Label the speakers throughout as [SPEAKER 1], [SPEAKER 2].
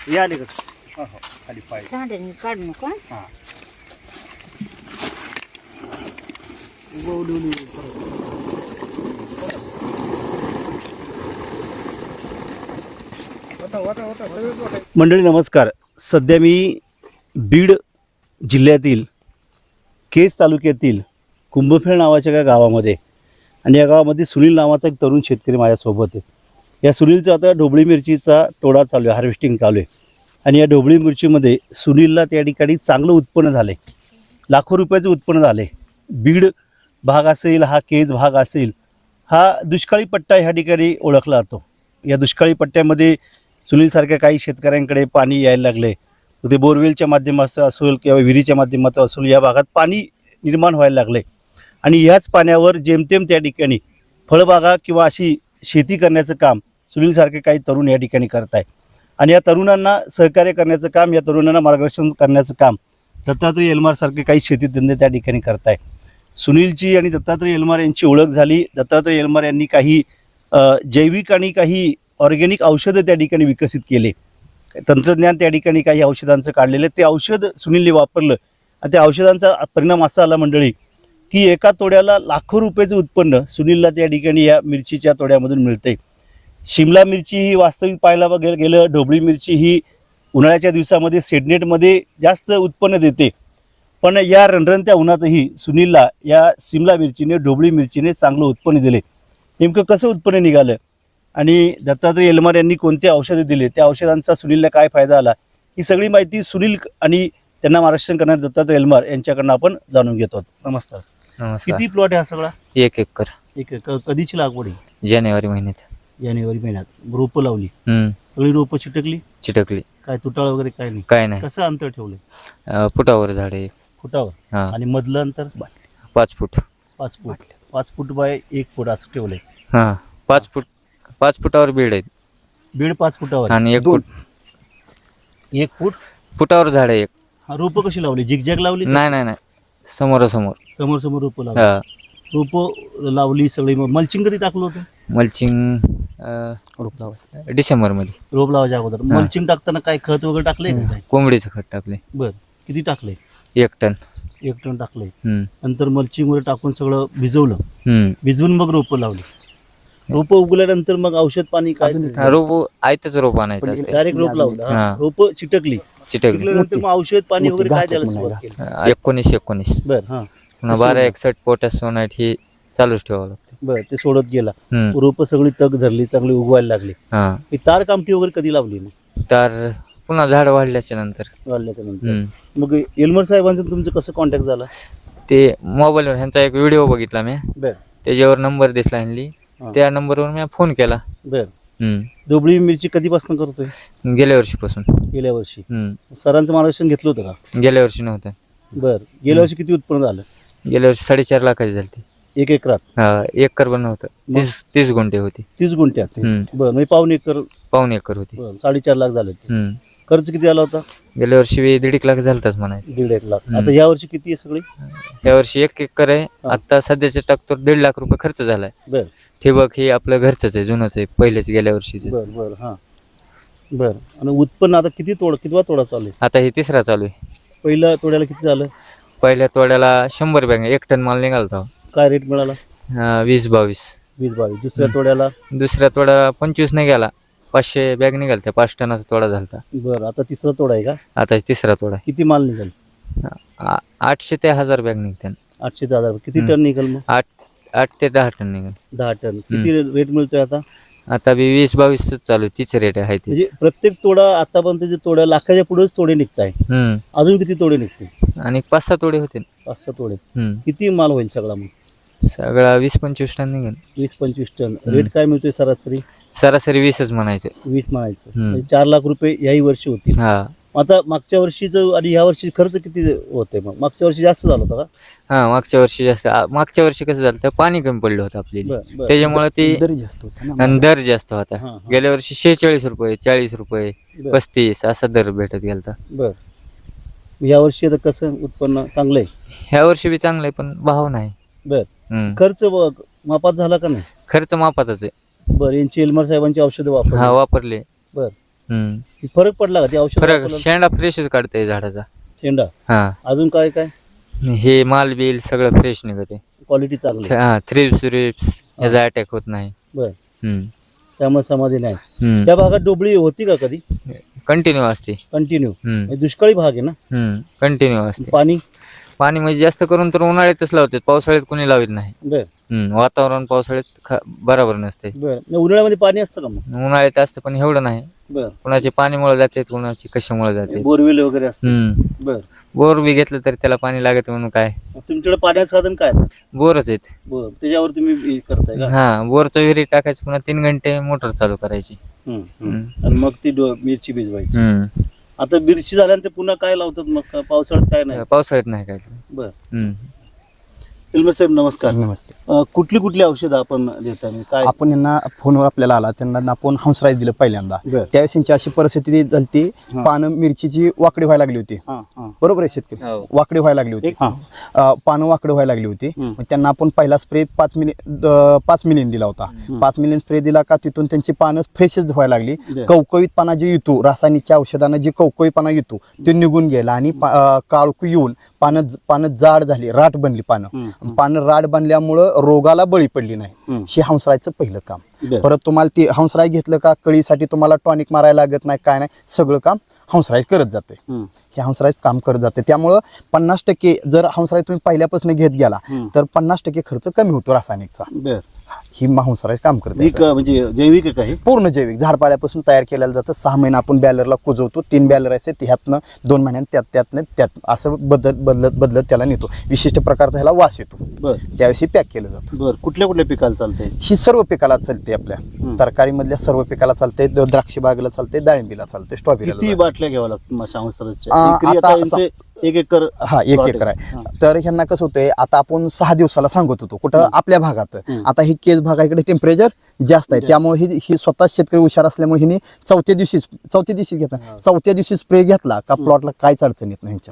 [SPEAKER 1] या अलीकडे. हो हो खाली पाय.
[SPEAKER 2] झाडांनी काढू नका.
[SPEAKER 1] हां मंडळी नमस्कार. सध्या मी बीड जिल्ह्यातील केज तालुक्यातील कुंभफेळ नावाच्या एका गावामध्ये, आणि या गावामध्ये सुनील नावाचा एक तरुण शेतकरी माझ्यासोबत आहे. या सुनीलचा आता ढोबळी मिरचीचा तोडा चालू आहे, हार्वेस्टिंग चालू आहे. आणि या ढोबळी मिरचीमध्ये सुनीलला त्या ठिकाणी चांगलं उत्पन्न झालं आहे, लाखो रुपयाचं उत्पन्न झालं आहे. बीड भाग असेल, हा केज भाग असेल, हा दुष्काळी पट्टा ह्या ठिकाणी ओळखला जातो. या दुष्काळी पट्ट्यामध्ये सुनीलसारख्या काही शेतकऱ्यांकडे पाणी यायला लागले, ते बोरवेलच्या माध्यमातून असेल किंवा विहिरीच्या माध्यमातून असेल, या भागात पाणी निर्माण व्हायला लागले. आणि ह्याच पाण्यावर जेमतेम त्या ठिकाणी फळबागा किंवा अशी शेती करण्याचं काम सुनीलसारखे काही तरुण या ठिकाणी करत आहे. आणि या तरुणांना सहकार्य करण्याचं काम, या तरुणांना मार्गदर्शन करण्याचं काम दत्तात्रय एलमारसारखे काही शेतीतज्ञ त्या ठिकाणी करत आहे. सुनीलची आणि दत्तात्रय एलमार यांची ओळख झाली. दत्तात्रय एलमार यांनी काही जैविक आणि काही ऑर्गॅनिक औषधं त्या ठिकाणी विकसित केले, तंत्रज्ञान त्या ठिकाणी काही औषधांचं काढलेलं. ते औषध सुनीलने वापरलं आणि त्या औषधांचा परिणाम असा आला मंडळी की एका तोड्याला लाखो रुपयाचं उत्पन्न सुनीलला त्या ठिकाणी या मिरचीच्या तोड्यामधून मिळते. शिमला मिरची ही वास्तविक पाहायला गेलं, ढोबळी मिरची ही उन्हाळ्याच्या दिवसामध्ये सेडनेटमध्ये जास्त उत्पन्न देते. पण या रणरणत्या उन्हातही सुनीलला या शिमला मिरचीने, ढोबळी मिरचीने चांगलं उत्पन्न दिले. नेमकं कसं उत्पन्न निघालं आणि दत्तात्रय एलमार यांनी कोणते औषधं दिले, त्या औषधांचा सुनीलला काय फायदा आला, ही सगळी माहिती सुनील आणि त्यांना मार्गदर्शन करणारे दत्तात्रय एलमार यांच्याकडनं आपण जाणून घेतो. नमस्कार. किती प्लॉट आहे हा सगळा?
[SPEAKER 3] 1 एकर.
[SPEAKER 1] 1 एकर. कधीची लागवड आहे?
[SPEAKER 3] जानेवारी महिन्यात.
[SPEAKER 1] जानेवारी महिन्यात रोपं लावली, सगळी रोपं
[SPEAKER 3] चिटकली.
[SPEAKER 1] काय तुटाळ वगैरे काय नाही?
[SPEAKER 3] काय नाही.
[SPEAKER 1] कसं अंतर ठेवलं?
[SPEAKER 3] फुटावर झाड आहे.
[SPEAKER 1] फुटावर. आणि मधलं अंतर
[SPEAKER 3] 5 फूट.
[SPEAKER 1] 5 फूट. 5 फूट बाय 1 फूट असं ठेवलंय.
[SPEAKER 3] हा 5 फुटावर बीड आहे.
[SPEAKER 1] बीड 5 फुटावर
[SPEAKER 3] आणि 1 फूट.
[SPEAKER 1] 1 फूट
[SPEAKER 3] फुटावर झाड आहे.
[SPEAKER 1] हा रोपं कशी लावली? झिगझॅग लावली?
[SPEAKER 3] नाही समोरासमोर.
[SPEAKER 1] समोर रोपं लावली. रोपं लावली सगळी. मल्चिंग कधी टाकलं होतं?
[SPEAKER 3] मल्चिंग डिसेंबर मध्ये.
[SPEAKER 1] रोप लावायच्या अगोदर मल्चिंग टाकताना काय खत वगैरे टाकलंय का?
[SPEAKER 3] कोंबडीचं खत टाकले.
[SPEAKER 1] बर. किती टाकलंय?
[SPEAKER 3] 1 टन.
[SPEAKER 1] 1 टन टाकलंय. नंतर मल्चिंग वगैरे टाकून सगळं भिजवलं. भिजवून मग रोपं लावली. रोपं उगल्यानंतर मग औषध पाणी काय?
[SPEAKER 3] रोप आयतच रोप आणायचं असते.
[SPEAKER 1] डायरेक्ट रोप लावलं. रोपं चिटकली. नंतर मग औषध पाणी वगैरे काय द्यायला सुरुवात केली?
[SPEAKER 3] 19
[SPEAKER 1] बर. हा.
[SPEAKER 3] 1261 पोटॅश सोनाईट ही चालूच ठेवावं लागतं.
[SPEAKER 1] बर. ते सोडत गेला. रोपं सगळी तग धरली, चांगली उगवायला लागली. ही तार कामठी वगैरे कधी लावली?
[SPEAKER 3] तर पुन्हा झाड वाढल्याच्या नंतर.
[SPEAKER 1] मग एलमर साहेबांचं तुमचं कसं कॉन्टॅक्ट झाला?
[SPEAKER 3] ते मोबाईलवर ह्यांचा एक व्हिडिओ बघितला मी.
[SPEAKER 1] बर.
[SPEAKER 3] त्याच्यावर नंबर दिसला ह्यांनी. त्या नंबरवर मी फोन केला.
[SPEAKER 1] बर. ढोबळी मिरची कधीपासून करतोय?
[SPEAKER 3] गेल्या वर्षीपासून.
[SPEAKER 1] गेल्या वर्षी. सरांचं मार्गदर्शन घेतलं होतं का?
[SPEAKER 3] गेल्या वर्षी नव्हतं.
[SPEAKER 1] बर. गेल्या वर्षी किती उत्पन्न झालं?
[SPEAKER 3] गेल्या वर्षी 4.5 लाखाची झाली.
[SPEAKER 1] 1 एकरात?
[SPEAKER 3] 1 एकर पण नव्हतं. 30 गुंठे होती.
[SPEAKER 1] 30 गुंठ्यात? बरं. म्हणजे पाऊण एकर
[SPEAKER 3] होती.
[SPEAKER 1] 4.5 लाख झाले. खर्च किती आला होता?
[SPEAKER 3] गेल्या वर्षी 1.5 लाख झालताच म्हणायचं.
[SPEAKER 1] 1.5 लाख. आता या वर्षी किती आहे सगळी?
[SPEAKER 3] या वर्षी 1 एकर आहे. आता सध्याच्या टाकतो 1.5 लाख रुपये खर्च झालाय.
[SPEAKER 1] बर.
[SPEAKER 3] ठिबक हे आपलं घरचंच आहे, जुनंच आहे, पहिलेच गेल्या वर्षीच.
[SPEAKER 1] बर बर. हा बर. आणि उत्पन्न आता कितवा तोडा चालू आहे?
[SPEAKER 3] आता हे 3रा चालू आहे.
[SPEAKER 1] पहिल्या तोड्याला किती झालं?
[SPEAKER 3] पहिल्या तोड्याला 100 बॅग 1 टन माल निघालता.
[SPEAKER 2] काय रेट मिळाला?
[SPEAKER 3] 20-22.
[SPEAKER 2] 20-22. दुसऱ्या तोड्याला?
[SPEAKER 3] दुसऱ्या तोड्याला 25 नाही गेला, 500 बॅग निघालत्या. 5 टनाचा तोडा झालता.
[SPEAKER 2] बरं. आता तिसरा तोडा आहे का?
[SPEAKER 3] आता तिसरा तोडा.
[SPEAKER 2] किती माल निघाल?
[SPEAKER 3] 800 ते 1000 बॅग निघतात.
[SPEAKER 2] 800 ते 1000. किती टन निघाल मग?
[SPEAKER 3] 8 ते 10 टन निघाल.
[SPEAKER 2] 10 टन. किती रेट मिळतोय आता?
[SPEAKER 3] आता 20-22 चालू आहे. तीच रेट आहे.
[SPEAKER 2] म्हणजे प्रत्येक तोडा आतापर्यंत जे तोड्या लाखाच्या पुढेच तोडे निघताय. अजून किती तोडे निघतील?
[SPEAKER 3] आणि 5-6 तोडे होते.
[SPEAKER 2] 5-6 तोडे. किती माल होईल सगळा मग?
[SPEAKER 3] सगळा 20-25 टन निघेल.
[SPEAKER 2] 20-25 टन. रेट काय मिळतोय सरासरी?
[SPEAKER 3] सरासरी 20च म्हणायचं.
[SPEAKER 2] 20 म्हणायचं. म्हणजे 4 लाख रुपये याही वर्षी होतील. आता मागच्या वर्षीचं आणि ह्या वर्षी खर्च किती होते? मग मागच्या वर्षी जास्त झाला होता का?
[SPEAKER 3] हा, मागच्या वर्षी जास्त. मागच्या वर्षी कसं झालं, पाणी कमी पडलं होतं आपल्याला, त्याच्यामुळे ते दर जास्त होता. गेल्या वर्षी 46 रुपये, 40 रुपये, 35 असा दर भेटत गेलता.
[SPEAKER 2] बर. या वर्षी आता कसं उत्पन्न चांगलं आहे?
[SPEAKER 3] ह्या वर्षी बी चांगलं आहे, पण भाव नाही.
[SPEAKER 2] बर. खर्च मापात झाला का नाही?
[SPEAKER 3] खर्च मापातच आहे.
[SPEAKER 2] बर. यांची एलमार साहेबांची औषधं वापरली?
[SPEAKER 3] वापरले.
[SPEAKER 2] बर. फरक पडला का ते औषध
[SPEAKER 3] फरक
[SPEAKER 2] वापरलं?
[SPEAKER 3] शेंडा फ्रेशच काढते झाडाचा.
[SPEAKER 2] शेंडा
[SPEAKER 3] हा
[SPEAKER 2] अजून काय काय
[SPEAKER 3] हे माल बिल सगळं फ्रेश निघते.
[SPEAKER 2] क्वालिटी चांगली आहे.
[SPEAKER 3] हा थ्रिप्स याचा अटॅक होत नाही.
[SPEAKER 2] बर
[SPEAKER 3] हम्म.
[SPEAKER 2] त्यामुळे समाधी नाही.
[SPEAKER 3] हम्म.
[SPEAKER 2] त्या भागात डोबळी होती का कधी
[SPEAKER 3] कंटिन्यू असते.
[SPEAKER 2] कंटिन्यू?
[SPEAKER 3] हम्म.
[SPEAKER 2] दुष्काळी भाग आहे ना.
[SPEAKER 3] कंटिन्यू असते.
[SPEAKER 2] पाणी
[SPEAKER 3] पाणी म्हणजे जास्त करून तर उन्हाळ्यातच लावतात, पावसाळ्यात कोणी लावत नाही.
[SPEAKER 2] बर
[SPEAKER 3] वातावरण पावसाळ्यात बरोबर नसते.
[SPEAKER 2] बर उन्हाळ्यामध्ये पाणी असतं का मग?
[SPEAKER 3] उन्हाळ्यात असतं पण एवढं नाही.
[SPEAKER 2] बर
[SPEAKER 3] कुणाचे पाणीमुळे जाते, कुणाची कशामुळे जाते.
[SPEAKER 2] बोरवेल वगैरे असतं. बर
[SPEAKER 3] बोर बी घेतलं तरी त्याला पाणी लागत म्हणून काय
[SPEAKER 2] तुमच्याकडे पाण्याचं साधन काय?
[SPEAKER 3] बोरच आहेत.
[SPEAKER 2] बर त्याच्यावर तुम्ही हे करताय का?
[SPEAKER 3] हा बोरचं विहिरीत टाकायचं, पुन्हा 3 घंटे मोटर चालू करायची.
[SPEAKER 2] आणि मग ती मिरची भिजवायची.
[SPEAKER 3] हम्म.
[SPEAKER 2] आता मिरची झाल्यानंतर पुन्हा काय लावतात मग पावसाळ्यात काय नाही?
[SPEAKER 3] पावसाळ्यात नाही काय.
[SPEAKER 2] बर फिल्मर साहेब नमस्कार.
[SPEAKER 4] नमस्ते.
[SPEAKER 2] कुठली कुठली औषधं आपण देताय काय?
[SPEAKER 4] आपण यांना फोनवर आपल्याला आला, त्यांना आपण हंसराज दिलं पहिल्यांदा.
[SPEAKER 2] बरं.
[SPEAKER 4] त्यावेळेस त्यांची अशी परिस्थिती झाली, पानं मिरचीची वाकडी व्हायला लागली होती. बरोबर आहे शेतकरी,
[SPEAKER 3] हो.
[SPEAKER 4] वाकडी व्हायला लागली होती. पानं वाकडी व्हायला लागली होती. मग त्यांना आपण पहिला स्प्रे 5 मिलियन दिला होता. 5 मिलियन स्प्रे दिला का तिथून त्यांची पानं फ्रेशच व्हायला लागली. कवकवीतपणा जे येतो रासायनिकच्या औषधानं, जे कवकवीपणा येतो ते निघून गेला आणि काळकू येऊन पानं जाड झाली, राट बनली. पानं राट बनल्यामुळं रोगाला बळी पडली नाही. हे हंसरायचं पहिलं काम. परत तुम्हाला ते हंसराय घेतलं का कळीसाठी तुम्हाला टॉनिक मारायला लागत नाही, काय नाही, सगळं काम हंसराय करत जाते. हे हंसराय काम करत जाते. त्यामुळं 50% जर हंसराय तुम्ही पहिल्यापासून घेत गेला तर 50% खर्च कमी होतो रासायनिकचा. ही हंसराय काम करते.
[SPEAKER 2] म्हणजे जैविक आहे काही?
[SPEAKER 4] पूर्ण जैविक झाडपाल्यापासून तयार केलेलं जातं. 6 महिने आपण बॅलरला कुजवतो. 3 बॅलर असते, त्यातनं 2 महिन्यात त्यात असं बदलत त्याला नेतो. विशिष्ट प्रकारचा ह्याला वास येतो. त्यावेळेस पॅक केलं जातं.
[SPEAKER 2] बरं कुठल्या कुठल्या पिकाला चालतंय?
[SPEAKER 4] ही सर्व पिकाला चालते. आपल्या तरकारीमधल्या सर्व पिकाला चालते. द्राक्ष बागेला चालते, डाळिंबीला चालते,
[SPEAKER 2] किती
[SPEAKER 4] स्ट्रॉबेरीला.
[SPEAKER 2] बाटल्या घ्याव्या लागतात?
[SPEAKER 4] आता
[SPEAKER 2] 1 एकर.
[SPEAKER 4] हा 1 एकर आहे. तर ह्यांना कसं होतंय, आता आपण 6 दिवसाला सांगत होतो कुठं आपल्या भागात. आता ही केस भागाकडे टेम्परेचर जास्त आहे, त्यामुळे ही स्वतः शेतकरी हुशार असल्यामुळे हिने चौथ्या दिवशी घेतला. चौथ्या दिवशी स्प्रे घेतला का प्लॉटला काहीच अडचण येत नाही.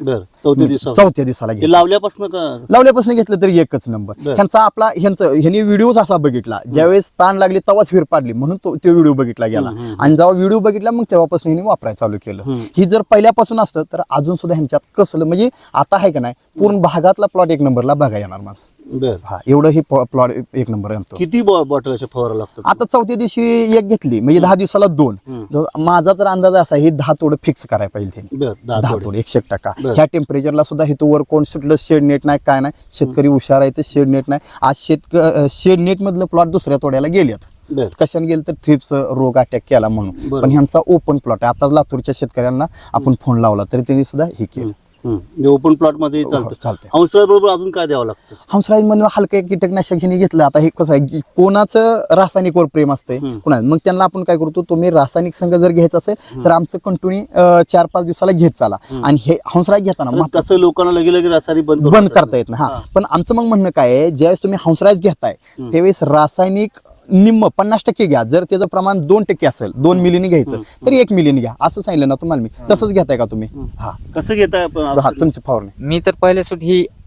[SPEAKER 4] चौथ्या दिवसाला लावल्यापासून घेतलं तरी एकच नंबर. ह्यांनी व्हिडिओ असा बघितला, ज्यावेळेस ताण लागली तेव्हाच फिर पाडली म्हणून तो व्हिडिओ बघितला गेला. आणि जेव्हा व्हिडिओ बघितला मग तेव्हापासून हिने वापरायला चालू केलं. ही जर पहिल्यापासून असतं तर अजून सुद्धा ह्यांच्यात कसलं म्हणजे आता आहे का नाही, पूर्ण भागातला प्लॉट 1 नंबरला बघा येणार माणूस. हा एवढं ही प्लॉट 1 नंबर आणतो.
[SPEAKER 2] किती बॉटल फवारा लागतात?
[SPEAKER 4] आता चौथ्या दिवशी 1 घेतली म्हणजे 10 दिवसाला 2. माझा तर अंदाज असा ही 10 तोड फिक्स करायला पाहिजे त्यांनी. 10 तोड 100%. ह्या टेम्परेचरला सुद्धा हे वर कोण सुटलं, शेड नेट नाही, काय नाही. शेतकरी हुशार आहे, ते शेड नेट नाही. आज शेड नेट मधलं प्लॉट दुसऱ्या तोड्याला गेलेत. कशाने गेलं तर थ्रिप्स रोग अटॅक केला म्हणून. पण ह्यांचा ओपन प्लॉट आहे. आता लातूरच्या शेतकऱ्यांना आपण फोन लावला तरी त्यांनी सुद्धा हे केलं.
[SPEAKER 2] ओपन प्लॉट मध्ये चालतं. हंसराज बरोबर अजून काय द्यावं लागतं?
[SPEAKER 4] हंसराज म्हणून हलकं कीटकनाशक ह्याने घेतलं. आता हे कसं आहे, कोणाचं रासायनिकवर प्रेम असतंय कोणा, मग त्यांना आपण काय करतो, तुम्ही रासायनिक संघ जर घ्यायचं असेल तर आमचं कंटिन्यू 4-5 दिवसाला घेत चाला. आणि हे हंसराज घेताना
[SPEAKER 2] कसं लोकांना लगे रासायनिक
[SPEAKER 4] बंद करता येत नाही. हा पण आमचं मग म्हणणं काय आहे, ज्यावेळेस तुम्ही हंसराज घेताय त्यावेळेस रासायनिक निम्म 50% घ्या. जर त्याचं प्रमाण 2% असेल, 2 मिलीने घ्यायचं तर 1 मिलीने घ्या, असं सांगितलं ना तुम्हाला मी. तसंच घेताय का तुम्ही? हा
[SPEAKER 2] कसं घेताय?
[SPEAKER 4] तुमची फवारणी
[SPEAKER 3] मी तर पहिल्या सुट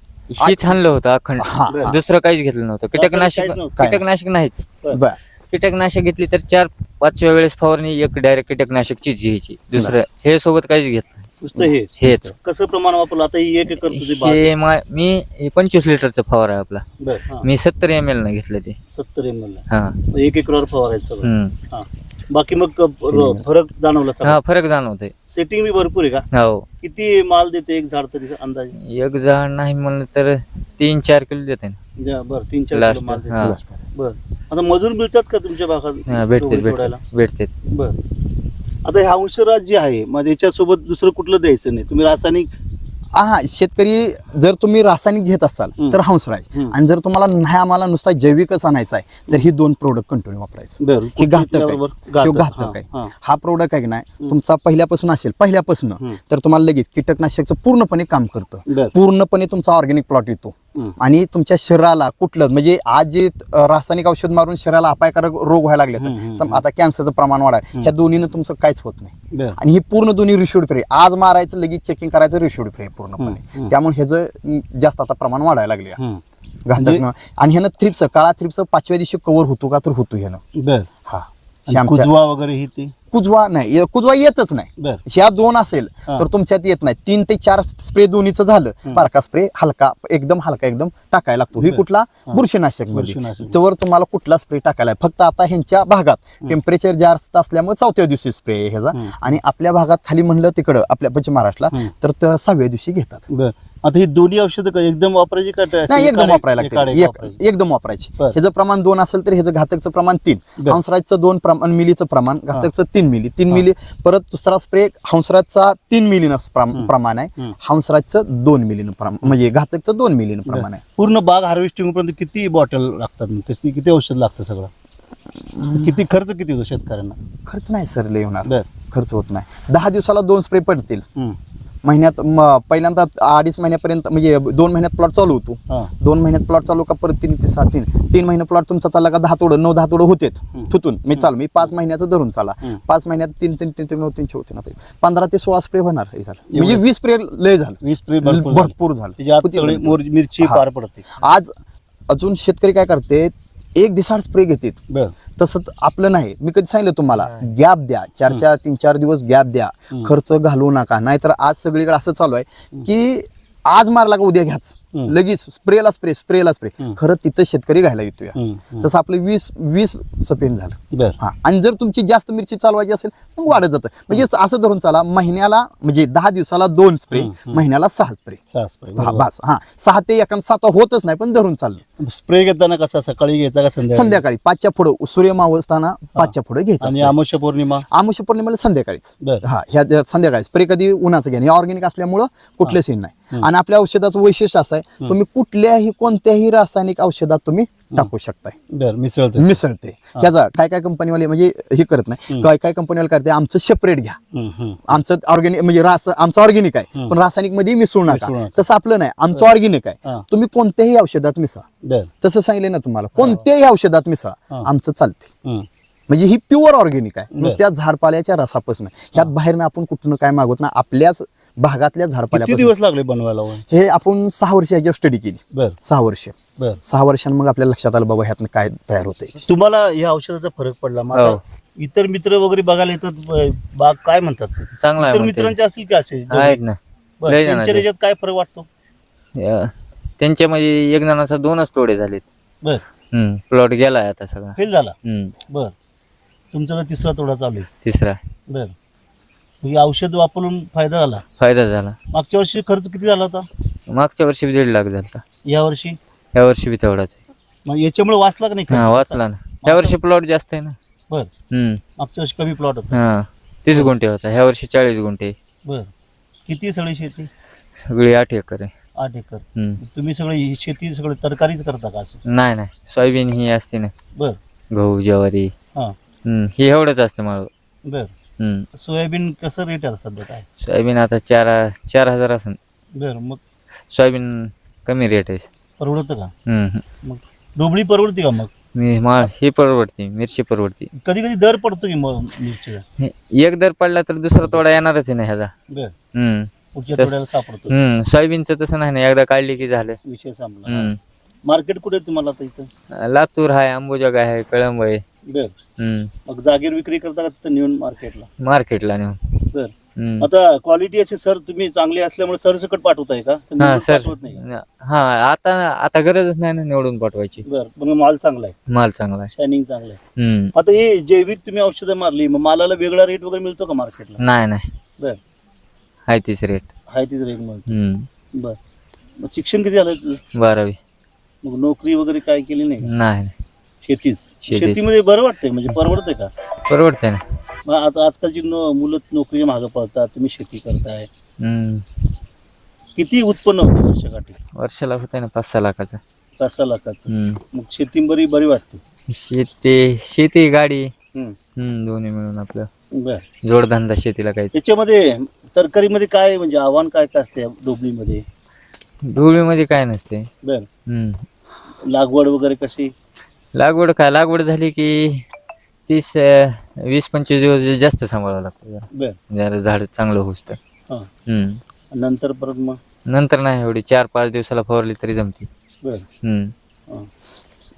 [SPEAKER 3] हीच आणलं होतं अखंड. दुसरं काहीच घेतलं नव्हतं. कीटकनाशक नाहीच. कीटकनाशक घेतली तर 4-5व्या वेळेस फवारणी एक डायरेक्ट कीटकनाशकचीच घ्यायची. दुसरं हे सोबत काहीच घेतलं.
[SPEAKER 2] हेच कसं प्रमाण वापरलं? आता 1 एकर
[SPEAKER 3] मी 25 लिटरचं फवार आहे आपला. मी 70 ml न घेतलं ते.
[SPEAKER 2] 70 ml 1 एकरवर फवारायचं. बाकी मग फरक जाणवला?
[SPEAKER 3] हा फरक जाणवतोय.
[SPEAKER 2] सेटिंग बी भरपूर आहे का?
[SPEAKER 3] हो.
[SPEAKER 2] किती माल देते एक झाड तरी अंदाजे?
[SPEAKER 3] एक झाड नाही म्हणलं तर 3-4 किलो देते.
[SPEAKER 2] बरं 3-4 किलो माल देते. बरं आता मजूर मिळतात का तुमच्या भागात?
[SPEAKER 3] भेटते.
[SPEAKER 2] बरं आता हे हंसराज जे आहे मग याच्यासोबत दुसरं कुठलं द्यायचं नाही? तुम्ही रासायनिक
[SPEAKER 4] हा शेतकरी जर तुम्ही रासायनिक घेत असाल तर हंसराज, आणि जर तुम्हाला नाही आम्हाला नुसता जैविकच आणायचा आहे तर ही 2 प्रोडक्ट कंटिन्यू वापरायचं. हे घातक आहे. हा प्रोडक्ट आहे की नाही तुमचा पहिल्यापासून असेल तर तुम्हाला लगेच कीटकनाशकचं पूर्णपणे काम करतं. पूर्णपणे तुमचा ऑर्गॅनिक प्लॉट येतो आणि तुमच्या शरीराला कुठलं म्हणजे आज जे रासायनिक औषध मारून शरीराला अपायकारक रोग व्हायला लागले, आता कॅन्सरचं प्रमाण वाढाय, ह्या दोन्हीनं तुमचं काहीच होत नाही. आणि ही पूर्ण दोन्ही रिशूड फ्री. आज मारायचं लगेच चेकिंग करायचं, रिशूड फ्री पूर्णपणे. त्यामुळे ह्याचं जास्त आता प्रमाण वाढायला लागले घातक. आणि ह्यानं थ्रिप्स, काळा थ्रिप्स 5व्या दिवशी कव्हर होतो का तर होतो ह्यानं.
[SPEAKER 2] हा वगैरे
[SPEAKER 4] कुजवा नाही, कुजवा येतच नाही.
[SPEAKER 2] बर
[SPEAKER 4] ह्या 2 असेल
[SPEAKER 2] हा.
[SPEAKER 4] तर तुमच्यात येत नाही. 3 ते 4 स्प्रे दोन्हीचं झालं, बारका स्प्रे हलका एकदम टाकायला लागतो. ही कुठला बुरशीनाशक मध्ये,
[SPEAKER 2] बुरशीनाशक.
[SPEAKER 4] त्यावर तुम्हाला कुठला स्प्रे टाकायला आहे. फक्त आता ह्यांच्या भागात टेम्परेचर जास्त असल्यामुळे 4थ्या दिवशी स्प्रे आहे ह्याचा, आणि आपल्या भागात खाली म्हणलं तिकडं आपल्या पश्चिम महाराष्ट्राला तर 6व्या दिवशी घेतात.
[SPEAKER 2] बर आता ही दोन्ही औषधं एकदम वापरायची का
[SPEAKER 4] नाही, एकदम वापरायला लागते,
[SPEAKER 2] वापरायची?
[SPEAKER 4] एकदम वापरायची.
[SPEAKER 2] बरं.
[SPEAKER 4] ह्याचं प्रमाण 2 असेल तर ह्याचं घातकचं प्रमाण 3,
[SPEAKER 2] बरं.
[SPEAKER 4] हंसराजचं 2 मिलीचं प्रमाण, घातकचं 3 मिली. 3 मिली. परत दुसरा स्प्रे हंसराजचा 3 मिलीनं प्रमाण आहे, हंसराजचं 2 मिलीनं प्रमाण, म्हणजे घातकचं 2 मिलीनं प्रमाण आहे.
[SPEAKER 2] पूर्ण बाग हार्वेस्टिंग पर्यंत किती बॉटल लागतात मग? किती औषध लागतं सगळं? किती खर्च किती होतो शेतकऱ्यांना?
[SPEAKER 4] खर्च नाही सर लय होणार,
[SPEAKER 2] बर
[SPEAKER 4] खर्च होत नाही. 10 दिवसाला 2 स्प्रे पडतील.
[SPEAKER 2] हम्म.
[SPEAKER 4] महिन्यात पहिल्यांदा 2.5 महिन्यापर्यंत, म्हणजे 2 महिन्यात प्लॉट चालू होतो.
[SPEAKER 2] हा
[SPEAKER 4] 2 महिन्यात प्लॉट चालू का परत 3 ते 6 3 महिने प्लॉट तुमचा चालला का 10 तोडं 9-10 तोडं होतेच थुतून. मी 5 महिन्याचं धरून चाला. 5 महिन्यात 3 होते ना, 15 ते 16 स्प्रे होणार हे झालं. म्हणजे 20 स्प्रे लय झालं,
[SPEAKER 2] 20 स्प्रे
[SPEAKER 4] भरपूर झालं.
[SPEAKER 2] त्याच्या आत सगळी मिरची
[SPEAKER 4] हा.
[SPEAKER 2] पार पडते.
[SPEAKER 4] आज अजून शेतकरी काय करते, एक दिवसाड स्प्रे घेतात.
[SPEAKER 2] बर
[SPEAKER 4] तसं आपलं नाही. मी कधी सांगितलं तुम्हाला, गॅप द्या, 3-4 दिवस गॅप द्या, खर्च घालवू नका. नाहीतर आज सगळीकडे असं चालू आहे की आज मारला का उद्या घ्याच, लगेच स्प्रेला स्प्रे. खरं तिथं शेतकरी घ्यायला येतोय. तसं आपलं 20 सपेन झालं.
[SPEAKER 2] बर
[SPEAKER 4] हा, आणि जर तुमची जास्त मिरची चालवायची असेल मग वाढत जातं. म्हणजे असं धरून चाला, महिन्याला म्हणजे 10 दिवसाला 2 स्प्रे, महिन्याला 6 स्प्रे.
[SPEAKER 2] 6 स्प्रे
[SPEAKER 4] बस. हा, 6 ते 7 होतच नाही, पण धरून चाललं.
[SPEAKER 2] स्प्रे घेताना कसा सकाळी घ्यायचा का
[SPEAKER 4] संध्याकाळी 5च्या पुढं, सूर्य मावळताना 5च्या पुढे घ्यायचं
[SPEAKER 2] आणि
[SPEAKER 4] असतं.
[SPEAKER 2] अमावस्या पौर्णिमा
[SPEAKER 4] अमावस्या पौर्णिमेला संध्याकाळीच.
[SPEAKER 2] बर
[SPEAKER 4] हा, ह्या संध्याकाळी स्प्रे कधी उन्हाचं घ्या. हे ऑर्गॅनिक असल्यामुळं कुठलं सीन नाही. आणि आपल्या औषधाचं वैशिष्ट्य असं आहे, तुम्ही कोणत्याही रासायनिक औषधात तुम्ही टाकू शकताय.
[SPEAKER 2] बर
[SPEAKER 4] मिसळते. ह्याचा काय कंपनीवाले म्हणजे हे करत नाही, काय कंपनीवाले करते, आमचं सेपरेट घ्या, आमचं ऑर्गॅनिक म्हणजे आमचं ऑर्गॅनिक आहे पण रासायनिक मध्ये मिसळू नका. तसं आपलं नाही, आमचं ऑर्गॅनिक आहे, तुम्ही कोणत्याही औषधात मिसळा.
[SPEAKER 2] बर
[SPEAKER 4] तसं सांगितलं ना तुम्हाला, कोणत्याही औषधात मिसळा, आमचं चालते. म्हणजे ही प्युअर ऑर्गॅनिक आहे, नुसत्या झाडपाल्याच्या रसापासून. ह्यात बाहेरनं आपण कुठनं काय मागवत ना, आपल्याच भागातल्या
[SPEAKER 2] किती
[SPEAKER 4] झाडपाल्या.
[SPEAKER 2] दिवस लागले बनवायला?
[SPEAKER 4] हे आपण 6 वर्ष ह्याच्यावर स्टडी केली.
[SPEAKER 2] बर
[SPEAKER 4] 6 वर्ष.
[SPEAKER 2] बर
[SPEAKER 4] 6 वर्षांनी मग आपल्याला लक्षात आलं बाबा ह्यातनं काय तयार होतंय.
[SPEAKER 2] तुम्हाला या औषधाचा फरक पडला? मग आता इतर मित्र वगैरे बघायला येतात, बाग काय म्हणतात?
[SPEAKER 3] चांगला आहे
[SPEAKER 2] इतर
[SPEAKER 3] म्हणते.
[SPEAKER 2] मित्रांचे असतील की असे
[SPEAKER 3] आहेत ना.
[SPEAKER 2] बरं,
[SPEAKER 3] लय
[SPEAKER 2] त्यांच्या
[SPEAKER 3] जणांचे.
[SPEAKER 2] याच्यात काय फरक वाटतो?
[SPEAKER 3] त्यांच्या म्हणजे एक जणाचा 2च तोडे झालेत.
[SPEAKER 2] बर
[SPEAKER 3] प्लॉट गेलाय आता सगळा.
[SPEAKER 2] फेल झाला.
[SPEAKER 3] हम्म.
[SPEAKER 2] बर तुमचा तर 3रा तोडा चालू आहे.
[SPEAKER 3] 3रा
[SPEAKER 2] बर ही औषध वापरून फायदा झाला?
[SPEAKER 3] फायदा झाला.
[SPEAKER 2] मागच्या वर्षी खर्च किती झाला होता?
[SPEAKER 3] मागच्या वर्षी 1.5 लाख झाला.
[SPEAKER 2] या वर्षी?
[SPEAKER 3] या वर्षी बी तेवढाच आहे.
[SPEAKER 2] मग याच्यामुळे वाचला का नाही खर्च?
[SPEAKER 3] हा, वाचला ना. ह्या वर्षी प्लॉट जास्त आहे ना.
[SPEAKER 2] बर मागच्या वर्षी कमी प्लॉट होता.
[SPEAKER 3] हा 30 गुंठे होता, ह्या वर्षी 40 गुंठे.
[SPEAKER 2] बर किती सगळी शेती?
[SPEAKER 3] सगळी 8 एकर आहे.
[SPEAKER 2] 8 एकर.
[SPEAKER 3] हम्म.
[SPEAKER 2] तुम्ही सगळी शेती सगळी तरकारीच करता का असं?
[SPEAKER 3] नाही सोयाबीन ही असते ना,
[SPEAKER 2] बर
[SPEAKER 3] गहू ज्वारी.
[SPEAKER 2] हा
[SPEAKER 3] ही एवढंच असते माळ.
[SPEAKER 2] बर सोयाबीन कसं रेट आहे सध्या काय?
[SPEAKER 3] सोयाबीन आता 4,000 असेल.
[SPEAKER 2] बर मग
[SPEAKER 3] सोयाबीन कमी रेट आहे.
[SPEAKER 2] परवडतं का?
[SPEAKER 3] हम्म.
[SPEAKER 2] मग डोबळी परवडते का? मग
[SPEAKER 3] ही परवडते, मिरची परवडते.
[SPEAKER 2] कधी कधी दर पडतो की मग मिरचीचा?
[SPEAKER 3] एक दर पडला तर दुसरा तोडा येणारच आहे ना ह्याचा.
[SPEAKER 2] बर
[SPEAKER 3] हम्म.
[SPEAKER 2] पुढच्या
[SPEAKER 3] तर-
[SPEAKER 2] तोड्याला सापडतो.
[SPEAKER 3] सोयाबीनचं तसं नाही ना, एकदा काढली की झालं.
[SPEAKER 2] विषय संपला. मार्केट कुठे आहे तुम्हाला आता इथं?
[SPEAKER 3] लातूर आहे, अंबुजग आहे, कळंब आहे.
[SPEAKER 2] बर मग जागेवर विक्री करता का तिथं नेऊन मार्केटला?
[SPEAKER 3] मार्केटला नेऊन.
[SPEAKER 2] बर
[SPEAKER 3] हम्म.
[SPEAKER 2] आता क्वालिटी अशी सर तुम्ही चांगली असल्यामुळे सरसकट पाठवताय का?
[SPEAKER 3] हा
[SPEAKER 2] निवडून
[SPEAKER 3] सर.
[SPEAKER 2] पाठवत नाही का?
[SPEAKER 3] हा आता गरजच नाही ना निवडून पाठवायची.
[SPEAKER 2] बर पण माल चांगला आहे,
[SPEAKER 3] माल चांगला आहे.
[SPEAKER 2] शायनिंग चांगलं आहे.
[SPEAKER 3] हम्म.
[SPEAKER 2] आता हे जैविक तुम्ही औषधं मारली, मग मालाला वेगळा रेट वगैरे मिळतो का मार्केटला?
[SPEAKER 3] नाही
[SPEAKER 2] बर
[SPEAKER 3] आहे तीच रेट.
[SPEAKER 2] हाय तीच रेट मिळतो.
[SPEAKER 3] हम्म.
[SPEAKER 2] बर मग शिक्षण किती झालं तुझं?
[SPEAKER 3] 12वी.
[SPEAKER 2] मग नोकरी वगैरे काय केली नाही का?
[SPEAKER 3] नाही
[SPEAKER 2] शेतीच.
[SPEAKER 3] शेतीच.
[SPEAKER 2] शेतीमध्ये बरं वाटतंय म्हणजे परवडतंय का?
[SPEAKER 3] परवडते ना.
[SPEAKER 2] मग आता आजकालची मुलं नोकरी मागं पळतात, तुम्ही शेती करताय.
[SPEAKER 3] हम्म.
[SPEAKER 2] किती उत्पन्न होतं वर्षाकाठी?
[SPEAKER 3] वर्षाला होत आहे ना 5-6 लाखाचं.
[SPEAKER 2] 5 लाखाचं.
[SPEAKER 3] हम्म.
[SPEAKER 2] मग शेती बरी वाटते.
[SPEAKER 3] शेती गाडी
[SPEAKER 2] हम्म.
[SPEAKER 3] दोन्ही मिळून आपलं
[SPEAKER 2] बर
[SPEAKER 3] जोडधंदा शेतीला काही.
[SPEAKER 2] याच्यामध्ये तरकारीमध्ये काय म्हणजे आव्हान काय काय असते डोबलीमध्ये?
[SPEAKER 3] ढोबळीमध्ये काय नसते.
[SPEAKER 2] बर
[SPEAKER 3] हम्म.
[SPEAKER 2] लागवड वगैरे कशी?
[SPEAKER 3] लागवड झाली की 20-25 दिवस जास्त सांभाळावं लागतं जरा.
[SPEAKER 2] बर
[SPEAKER 3] जरा झाड चांगलं होत.
[SPEAKER 2] हा नंतर परत मग
[SPEAKER 3] नंतर नाही एवढी 4-5 दिवसाला फवारली तरी जमते.
[SPEAKER 2] बर
[SPEAKER 3] हम्म.
[SPEAKER 2] हा.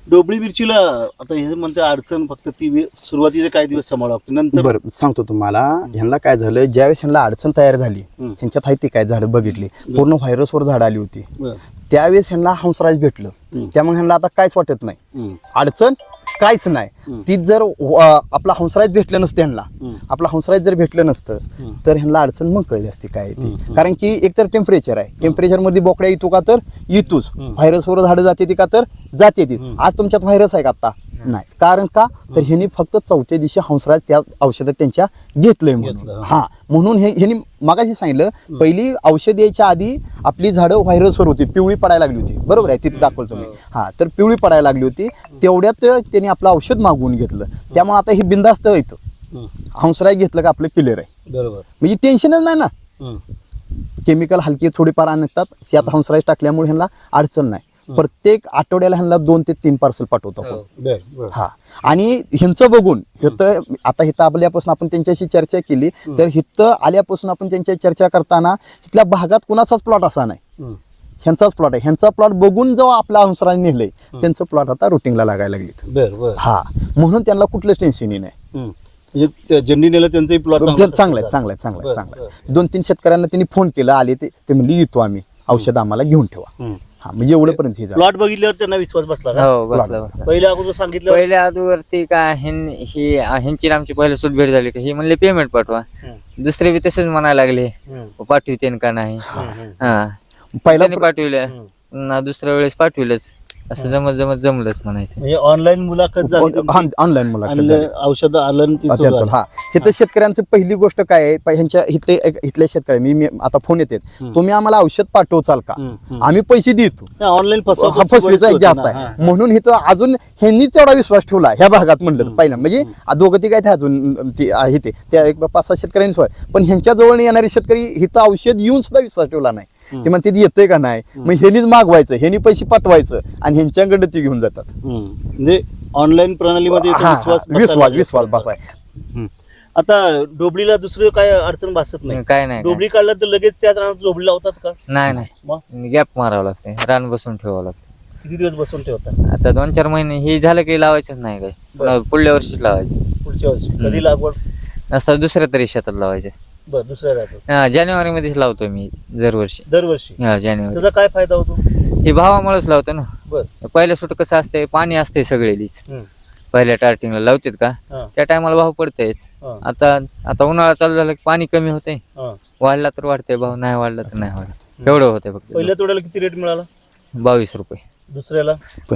[SPEAKER 2] डोबळी मिरचीला आता हे म्हणते अडचण फक्त ती सुरुवातीचे काही दिवस सांभाळावं लागतं, नंतर
[SPEAKER 4] बरं सांगतो तुम्हाला. ह्यांना काय झालं, ज्यावेळेस ह्यांना अडचण तयार झाली, ह्यांच्यात आहे ती काय झाडं बघितली, पूर्ण व्हायरसवर झाडं आली होती,
[SPEAKER 2] बरं.
[SPEAKER 4] त्यावेळेस ह्यांना हंसराज भेटलं. त्यामुळे ह्यांना आता काहीच वाटत नाही, अडचण काहीच नाही. ती जर आपला हंसराज भेटलं नसतं ह्यांना, आपला हंसराज जर भेटलं नसतं तर ह्यांना अडचण मग कळली असती काय ती. कारण की एकतर टेम्परेचर आहे, टेम्परेचर मध्ये बोकड्या येतो का तर येतोच, व्हायरसवर झाडं जाते ती का तर जाते ती. आज तुमच्यात व्हायरस आहे का आता नाही, कारण का तर ह्यांनी फक्त चौथ्या दिवशी हंसराज त्या औषधात त्यांच्या घेतलंय म्हणून. हा म्हणून ह्यांनी मागाशी सांगितलं, पहिली औषध यायच्या आधी आपली झाडं व्हायरसवर होती, पिवळी पडायला लागली होती, बरोबर आहे, तिथे दाखवलं तुम्ही. हा तर पिवळी पडायला लागली होती, तेवढ्यात त्यांनी आपलं औषध मागवून घेतलं. त्यामुळे आता हे बिंदास्त येतं, हंसराज घेतलं का आपलं क्लिअर आहे,
[SPEAKER 2] बरोबर.
[SPEAKER 4] म्हणजे टेन्शनच नाही ना. केमिकल हलकी थोडीफार आणतात, त्यात हंसराज टाकल्यामुळे ह्यांना अडचण नाही. प्रत्येक आठवड्याला ह्यांना 2 ते 3 पार्सल पाठवतो आपण. हा आणि ह्यांचं बघून हिथं आता हिथं आल्यापासून आपण त्यांच्याशी चर्चा केली, तर हिथं आल्यापासून आपण त्यांच्या चर्चा करताना इथल्या भागात कुणाचाच प्लॉट असा नाही, ह्यांचाच प्लॉट आहे. ह्यांचा प्लॉट बघून जो आपला हंसराज नेलंय त्यांचं प्लॉट आता रुटीनला लागायला लागलीत. हा म्हणून त्यांना कुठलंच टेन्शनही नाही.
[SPEAKER 2] म्हणजे ज्यांनी नेलं त्यांचंही प्लॉट
[SPEAKER 4] चांगलं आहे. 2-3 शेतकऱ्यांना त्यांनी फोन केला, आले ते म्हणले येतो आम्ही, औषध आम्हाला घेऊन ठेवा. हा म्हणजे एवढंपर्यंत हे झालं.
[SPEAKER 2] प्लॉट बघितल्यावर त्यांना विश्वास बसला का?
[SPEAKER 3] हो बसला बसला.
[SPEAKER 2] पहिल्या अगोदर सांगितलं
[SPEAKER 3] पहिल्या अगोदरती काय ह्यांची आमची पहिल्या सुट भेट झाली, हे म्हणले पेमेंट पाठवा. दुसरे बी तसेच म्हणायला लागले, पाठवते का नाही. हा
[SPEAKER 4] पहिला
[SPEAKER 3] पाठविलं ना, दुसऱ्या वेळेस पाठविलंच, असं जमलंच म्हणायचं.
[SPEAKER 2] म्हणजे ऑनलाईन मुलाखत झाली,
[SPEAKER 4] ऑनलाईन मुलाखत
[SPEAKER 2] औषध आलं
[SPEAKER 4] हा. हे तर शेतकऱ्यांची पहिली गोष्ट काय आहे, ह्यांच्या इथले शेतकरी मी आता फोन येते, तुम्ही आम्हाला औषध पाठवचाल का, आम्ही पैसे देतो.
[SPEAKER 2] ऑनलाईन
[SPEAKER 4] फसवीचा एक जास्त आहे म्हणून इथं अजून ह्यांनीच तेवढा विश्वास ठेवला ह्या भागात म्हणलं तर पहिला. म्हणजे दोघं ती काय ते अजून ती आहे ते त्या 5-6 शेतकऱ्यांनी सोय, पण ह्यांच्या जवळ येणारे शेतकरी इथं औषध येऊन सुद्धा विश्वास ठेवला नाही. ते म्हणते येतंय का नाही, मग ह्यांनीच मागवायचं, ह्यांनी पैसे पाठवायचं आणि ह्यांच्याकडे ती घेऊन जातात.
[SPEAKER 2] म्हणजे ऑनलाईन प्रणालीमध्ये
[SPEAKER 4] विश्वास बसाय.
[SPEAKER 2] आता डोबळीला दुसरं काय अडचण भासत नाही,
[SPEAKER 3] काय नाही
[SPEAKER 2] डोबळी काढला तर लगेच त्याच रानात डोबळी लावतात का?
[SPEAKER 3] नाही, गॅप मारावं लागते, रान बसून ठेवावं लागतं.
[SPEAKER 2] किती दिवस बसून ठेवतात?
[SPEAKER 3] आता 2-4 महिने हे झालं की लावायचंच नाही काय, पुढल्या वर्षीच लावायचं.
[SPEAKER 2] पुढच्या वर्षी कधी लागवड?
[SPEAKER 3] असं दुसऱ्या तरी शेतात लावायचं.
[SPEAKER 2] बरं, दुसऱ्या रानात
[SPEAKER 3] जानेवारी मध्येच लावतो मी दरवर्षी. जानेवारी.
[SPEAKER 2] त्याचा काय फायदा होतो?
[SPEAKER 3] हे भावामुळेच लावतो ना.
[SPEAKER 2] बरं.
[SPEAKER 3] पहिल्या सुट कसं असतंय, पाणी असते सगळेलीच. पहिल्या स्टार्टिंगला लावतात का त्या टायमाला भाव पडतेच. आता उन्हाळा चालू झाला की पाणी कमी होते, वाढला तर वाढते भाव, नाही वाढला तर नाही वाढत, एवढं होते फक्त.
[SPEAKER 2] पहिल्या तोड्याला किती रेट मिळाला?
[SPEAKER 3] 22 रुपये.
[SPEAKER 2] दुसऱ्याला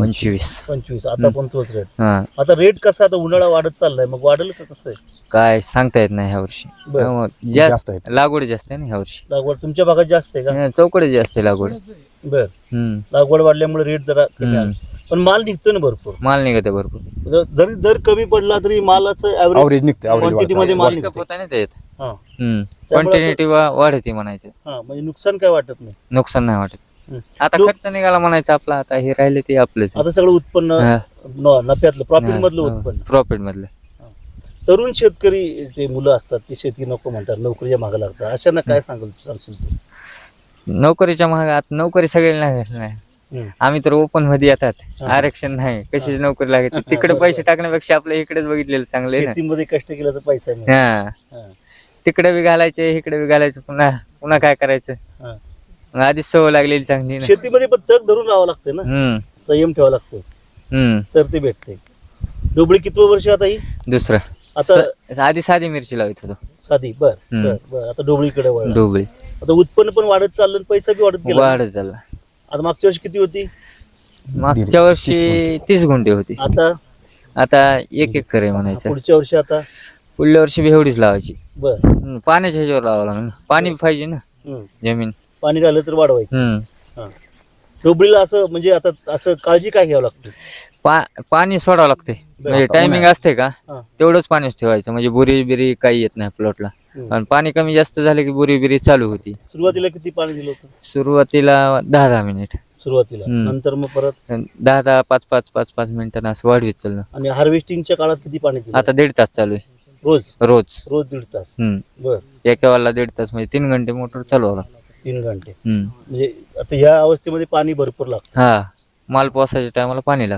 [SPEAKER 3] 25.
[SPEAKER 2] आता पण तोच रेट. आता रेट कसा, आता उन्हाळा वाढत चाललाय, मग वाढेल का कसं आहे
[SPEAKER 3] काय सांगता येत नाही ह्या वर्षी.
[SPEAKER 4] जास्त आहे.
[SPEAKER 3] लागवड जास्त आहे ना ह्या वर्षी.
[SPEAKER 2] लागवड तुमच्या भागात जास्त आहे का?
[SPEAKER 3] चौकडे जास्त आहे लागवड.
[SPEAKER 2] बर. लागवड वाढल्यामुळे रेट जरा कमी आहे. पण माल निघतो ना भरपूर,
[SPEAKER 3] माल निघते भरपूर.
[SPEAKER 2] जरी दर कमी पडला तरी मालाचं
[SPEAKER 4] ॲव्हरेज निघते,
[SPEAKER 2] क्वांटिटी मध्ये माल निघतो.
[SPEAKER 3] पोताने येत, क्वांटिटी वाढते म्हणायचं.
[SPEAKER 2] म्हणजे नुकसान काय वाटत नाही,
[SPEAKER 3] नुकसान नाही वाटत. आता खर्च निघाला म्हणायचं आपला, आता हे राहिले ते आपलंच.
[SPEAKER 2] आता सगळं उत्पन्न नफ्यातलं, प्रॉफिट मधलं उत्पन्न,
[SPEAKER 3] प्रॉफिट मधलं.
[SPEAKER 2] तरुण शेतकरी जे मुलं असतात ते शेती नको म्हणतात, नोकरीच्या मागे लागतात, अशांना काय सांगशील तू?
[SPEAKER 3] नोकरीच्या मागे नोकरी सगळ्यांना नाही, आम्ही तर ओपन मध्ये येतात, आरक्षण नाही, कशाची नोकरी लागते. तिकडे पैसे टाकण्यापेक्षा आपल्या इकडेच बघितलेलं चांगलं आहे ना.
[SPEAKER 2] शेतीमध्ये कष्ट केल्याचा पैसा मिळतो.
[SPEAKER 3] तिकडे बी घालायचे, इकडे बी घालायचं, पुन्हा काय करायचं. आधीच सवय लागलेली चांगली ना.
[SPEAKER 2] शेतीमध्ये पण तग धरून राहावं लागतं ना, संयम ठेवावा लागतो, तर ते भेटते. डोबळी कितवं वर्ष आता? ही
[SPEAKER 3] दुसरं. आता आधी साधी मिरची लावत होतो,
[SPEAKER 2] साधी. बर. आता डोबळीकडे वळला.
[SPEAKER 3] डोबळी.
[SPEAKER 2] आता उत्पन्न पण वाढत चाललं, पैसा बी वाढत गेला.
[SPEAKER 3] वाढत चालला.
[SPEAKER 2] आता मागच्या वर्षी किती होती?
[SPEAKER 3] मागच्या वर्षी 30 गुंठे होती, आता 1 एकर आहे म्हणायचं.
[SPEAKER 2] पुढच्या वर्षी? आता
[SPEAKER 3] पुढल्या वर्षी बी एवढीच लावायची.
[SPEAKER 2] बर.
[SPEAKER 3] पाण्याच्या ह्याच्यावर लावावं लागेल, पाणी पाहिजे ना, जमीन.
[SPEAKER 2] पाणी राहिलं तर वाढवायचं. डोबळीला असं म्हणजे आता असं काळजी काय घ्यावं लागते?
[SPEAKER 3] पाणी सोडावं लागते, म्हणजे टायमिंग असते का तेवढंच पाणीच ठेवायचं, म्हणजे बुरी बिरी काही येत नाही प्लॉटला. आणि पाणी कमी जास्त झालं की बुरी बिरी चालू होती.
[SPEAKER 2] सुरुवातीला किती पाणी दिलं होतं?
[SPEAKER 3] सुरुवातीला 10-10 मिनिट
[SPEAKER 2] सुरुवातीला, नंतर मग परत
[SPEAKER 3] 10-10, 5-5 मिनिटांना असं वाढवीत चाललं.
[SPEAKER 2] आणि हार्वेस्टिंगच्या काळात किती पाणी दिलं?
[SPEAKER 3] आता 1.5 तास चालू आहे रोज
[SPEAKER 2] 1.5 तास. बर.
[SPEAKER 3] एका वाला 1.5 तास, म्हणजे 3 घंटे मोटर चालू लागतं.
[SPEAKER 2] 3 घंटे. म्हणजे आता ह्या अवस्थेमध्ये पाणी भरपूर लागतं.
[SPEAKER 3] माल पोसायच्या टायमाला पाणी लागते.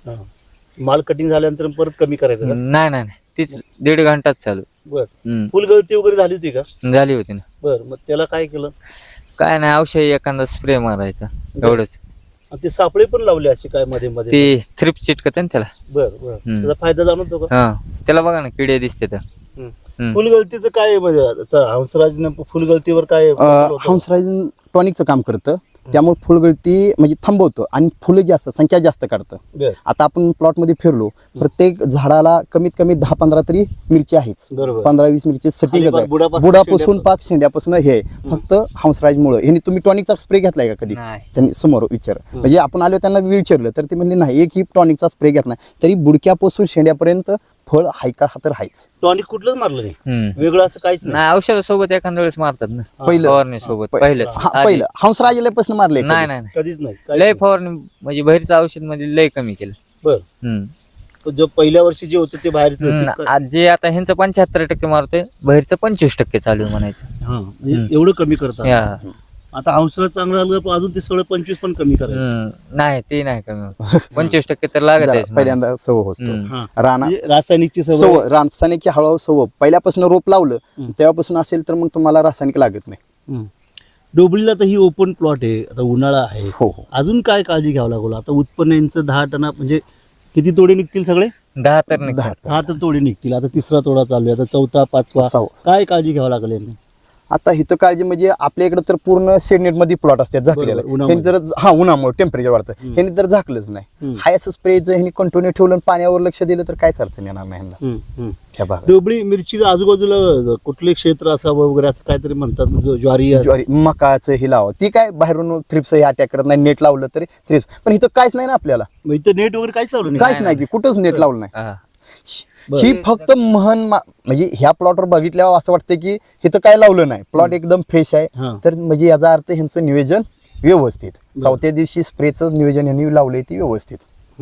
[SPEAKER 2] माल कटिंग झाल्यानंतर परत कमी करायचं का?
[SPEAKER 3] नाही नाही नाही. तीच 1.5 घंटाच चालू.
[SPEAKER 2] बर
[SPEAKER 3] हम्म.
[SPEAKER 2] फुलगळती वगैरे झाली होती का?
[SPEAKER 3] झाली होती ना.
[SPEAKER 2] बर मग त्याला काय केलं?
[SPEAKER 3] काय नाही, औषध एखादा स्प्रे मारायचा एवढंच.
[SPEAKER 2] आणि ते सापळे पण लावले असे काय मध्ये मध्ये?
[SPEAKER 3] ते थ्रिप चिटकत ना त्याला.
[SPEAKER 2] बर बर त्याचा फायदा जाणवतो का?
[SPEAKER 3] हा, त्याला बघा ना किडे दिसते तर.
[SPEAKER 2] फुलगळतीचं काय म्हणजे आता हंसराजनं फुलगळतीवर काय होतं?
[SPEAKER 4] हंसराज टॉनिकचं काम करतं, त्यामुळे फुलगळती म्हणजे थांबवतं आणि फुलं जास्त संख्या जास्त काढतं.
[SPEAKER 2] बर.
[SPEAKER 4] आता आपण प्लॉटमध्ये फिरलो, प्रत्येक झाडाला कमीत कमी 10-15 तरी मिरची आहेच.
[SPEAKER 2] बरोबर.
[SPEAKER 4] 15-20 मिरची सटिंगच
[SPEAKER 2] खाली
[SPEAKER 4] आहे.
[SPEAKER 2] बुडापासून
[SPEAKER 4] बुडापासून
[SPEAKER 2] शेंड्यापर्यंत.
[SPEAKER 4] पाक शेंड्यापासून हे आहे. फक्त हंसराजमुळे ह्यांनी तुम्ही टॉनिकचा स्प्रे घेतलाय का कधी?
[SPEAKER 3] नाही.
[SPEAKER 4] त्यांनी समोर विचार म्हणजे आपण आलो त्यांना विचारलं तर ते म्हणले नाही, एकही टॉनिकचा स्प्रे घेतला नाही, तरी बुडक्यापासून शेंड्यापर्यंत फळ हाय का हा तर हायच.
[SPEAKER 2] टॉनिक कुठलंच मारलं नाही
[SPEAKER 3] हम्म.
[SPEAKER 2] वेगळं असं काहीच नाही.
[SPEAKER 3] नाही, औषधासोबत एखाद्या वेळेस मारतात ना.
[SPEAKER 4] पहिलं.
[SPEAKER 3] फवारणी सोबत पहिलंच. आधी.
[SPEAKER 4] पहिलं हंसराजल्यापासून मारले
[SPEAKER 3] नाही नाही नाही.
[SPEAKER 2] कधीच नाही काहीच
[SPEAKER 3] लय
[SPEAKER 2] नाही.
[SPEAKER 3] फवारणी म्हणजे बाहेरचं औषध म्हणजे लय कमी केलं.
[SPEAKER 2] बर
[SPEAKER 3] हम्म.
[SPEAKER 2] जो पहिल्या वर्षी जे होतं ते बाहेरच
[SPEAKER 3] आज जे आता ह्यांचं 75% मारतोय, बाहेरचं 25% चालू आहे म्हणायचं.
[SPEAKER 2] एवढं कमी करतात.
[SPEAKER 3] या.
[SPEAKER 2] आता हंसराज चांगलं झालं पण अजून ते सगळं 25 पण कमी करायचं.
[SPEAKER 3] नाही ते नाही कमी होत. 25% तर लागत आहे.
[SPEAKER 4] पहिल्यांदा सव होतो
[SPEAKER 2] हा.
[SPEAKER 4] राणा
[SPEAKER 2] म्हणजे रासायनिकची सवय
[SPEAKER 4] सव रासायनिकची हळूहळू सव पहिल्यापासून रोप लावलं तेव्हापासून असेल तर मग तुम्हाला रासायनिक लागत नाही.
[SPEAKER 2] डोबळीला तर ही ओपन प्लॉट आहे, आता उन्हाळा आहे.
[SPEAKER 4] हो हो.
[SPEAKER 2] अजून काय काळजी घ्यावं लागलं? आता उत्पन्न यांचं 10 टना म्हणजे किती तोडे निघतील सगळे?
[SPEAKER 3] 10 तर निघतात.
[SPEAKER 2] 10 तर तोडे निघतील. आता 3रा तोडा चालू आहे, आता 4था 5वा.
[SPEAKER 4] 6वा.
[SPEAKER 2] काय काळजी घ्यावं लागेल यांनी?
[SPEAKER 4] आता इथं काळजी म्हणजे आपल्या इकडे तर पूर्ण शेडनेट मध्ये प्लॉट असतात झाकलेले.
[SPEAKER 2] बरोबर, उन्हामध्ये.
[SPEAKER 4] ह्यांनी जर उन्हामुळे टेम्परेचर वाढतं, ह्यांनी तर झाकलंच नाही. हाय असं स्प्रे जर ह्यांनी कंटिन्यू ठेवलं आणि पाण्यावर लक्ष दिलं तर कायच अडचण येणार नाही ह्यांना. ह्या भागात
[SPEAKER 2] डोबळी मिरची आजूबाजूला कुठले क्षेत्र असावं वगैरे असं काहीतरी म्हणतात, ज्वारी
[SPEAKER 4] ज्वारी मकाचं हे लावा, ती काय बाहेरून थ्रिप्स हे अटॅक करत नाही. नेट लावलं तरी थ्रिप्स, पण इथं काहीच नाही ना आपल्याला,
[SPEAKER 2] मग इथं नेट वगैरे काहीच लावलं नाही.
[SPEAKER 4] काहीच नाही की कुठंच नेट लावलं नाही.
[SPEAKER 3] हा.
[SPEAKER 4] ही फक्त म्हणजे ह्या प्लॉटवर बघितल्यावर असं वाटतं की इथं काय लावलं नाही, प्लॉट एकदम फ्रेश आहे.
[SPEAKER 2] हा.
[SPEAKER 4] तर म्हणजे याचा अर्थ ह्यांचं नियोजन व्यवस्थित, 4थ्या दिवशी स्प्रेचं नियोजन यांनी लावलंय ती व्यवस्थित.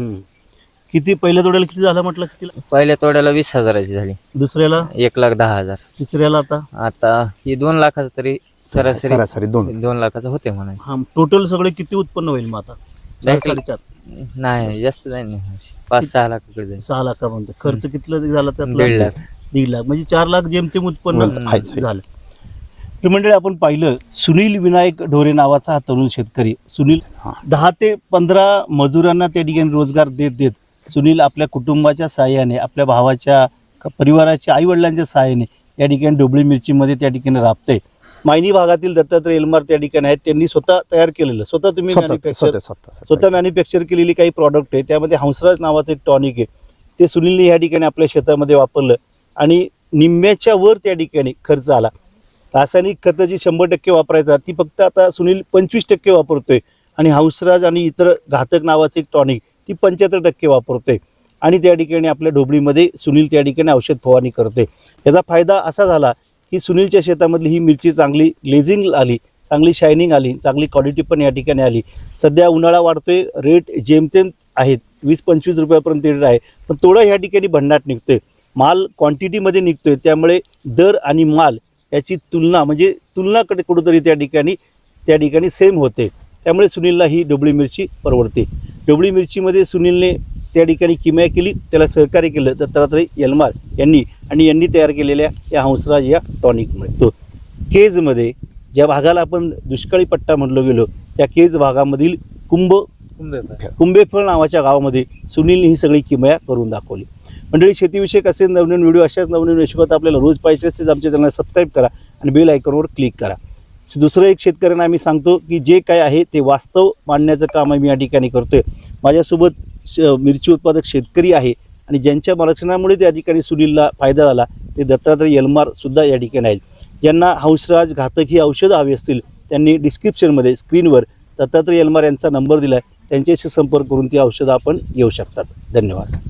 [SPEAKER 2] किती पहिल्या तोड्याला किती झाला म्हटलं? किती?
[SPEAKER 3] पहिल्या तोड्याला 20,000ची झाली,
[SPEAKER 2] दुसऱ्याला
[SPEAKER 3] 1,10,000.
[SPEAKER 2] तिसऱ्याला आता
[SPEAKER 3] आता ही 2 लाखाचं तरी सरासरी
[SPEAKER 4] सरासरी 2
[SPEAKER 3] लाखाचं होते म्हणायचं.
[SPEAKER 2] हा टोटल सगळे किती उत्पन्न होईल मग आता? 4-4.5
[SPEAKER 3] नाही जास्त जाईल, 5-6 लाखाकडे जाईल.
[SPEAKER 2] 6 लाखापर्यंत खर्च किती झाला त्यात?
[SPEAKER 3] 1.5 लाख.
[SPEAKER 2] 1.5 लाख म्हणजे 4 लाख जेमतेम उत्पन्न
[SPEAKER 4] आहेच.
[SPEAKER 2] झालं. तर मंडळी आपण पाहिलं, सुनील विनायक ढोरे नावाचा हा तरुण शेतकरी. सुनील 10 ते 15 मजुरांना त्या ठिकाणी रोजगार देत देत सुनील आपल्या कुटुंबाच्या सहाय्याने, आपल्या भावाच्या परिवाराच्या आईवडिलांच्या सहाय्याने या ठिकाणी डोबळी मिरचीमध्ये त्या ठिकाणी राबतंय. मायनी भागातील दत्तात्रय एलमार त्या ठिकाणी आहेत, त्यांनी स्वतः तयार केलेलं, स्वतः तुम्ही स्वतः मॅन्युफॅक्चर केलेली काही प्रॉडक्ट आहे. त्यामध्ये हंसराज नावाचं एक टॉनिक आहे, ते सुनीलने या ठिकाणी आपल्या शेतामध्ये वापरलं आणि निम्म्याच्या वर त्या ठिकाणी खर्च आला. रासायनिक खतं जी 100% वापरायचा ती फक्त आता सुनील 25% वापरतोय आणि हंसराज आणि इतर घातक नावाचं एक टॉनिक ती 75% वापरतोय. आणि त्या ठिकाणी आपल्या ढोबळीमध्ये सुनील त्या ठिकाणी औषध फवारणी करतोय. याचा फायदा असा झाला की सुनीलच्या शेतामधली ही मिरची चांगली ग्लेझिंग आली, चांगली शायनिंग आली, चांगली क्वालिटी पण या ठिकाणी आली. सध्या उन्हाळा वाढतोय, रेट जेमतेम आहेत, 20-25 रुपयापर्यंत रेट आहे, पण थोडं ह्या ठिकाणी भन्नाट निघतोय, माल क्वांटिटीमध्ये निघतोय. त्यामुळे दर आणि माल याची तुलना म्हणजे तुलनाकडे कुठंतरी त्या ठिकाणी सेम होते. त्यामुळे सुनीलला ही डोबळी मिरची परवडते. डोबळी मिरचीमध्ये सुनीलने त्या ठिकाणी किमया केली, त्याला सहकार्य केलं दत्तात्रय एलमार यांनी तयार केलेल्या या हंसराज या टॉनिकमुळे. तो केजमध्ये ज्या भागाला आपण दुष्काळी पट्टा म्हणलो गेलो, त्या केज भागामधील कुंभेफळ नावाच्या गावामध्ये सुनीलने ही सगळी किमया करून दाखवली. मंडळी, शेतीविषयक असे नवनवीन व्हिडिओ, अशाच नवनवीन विषयात आपल्याला रोज पाहिजे असते, आमच्या चॅनलला सबस्क्राईब करा आणि बेल आयकॉनवर क्लिक करा. दुसरं एक शेतकऱ्यांना आम्ही सांगतो की जे काय आहे ते वास्तव मांडण्याचं काम मी या ठिकाणी करतोय. माझ्यासोबत मिरची उत्पादक शेतकरी आहे आणि ज्यांच्या मार्गदर्शनामुळे त्या ठिकाणी सुनीलला फायदा झाला ते दत्तात्रय एलमार सुद्धा या ठिकाणी आहेत. ज्यांना हंसराज घातक ही औषधं हवी असतील त्यांनी डिस्क्रिप्शनमध्ये स्क्रीनवर दत्तात्रय एलमार यांचा नंबर दिला आहे, त्यांच्याशी संपर्क करून ती औषधं आपण घेऊ शकतात. धन्यवाद.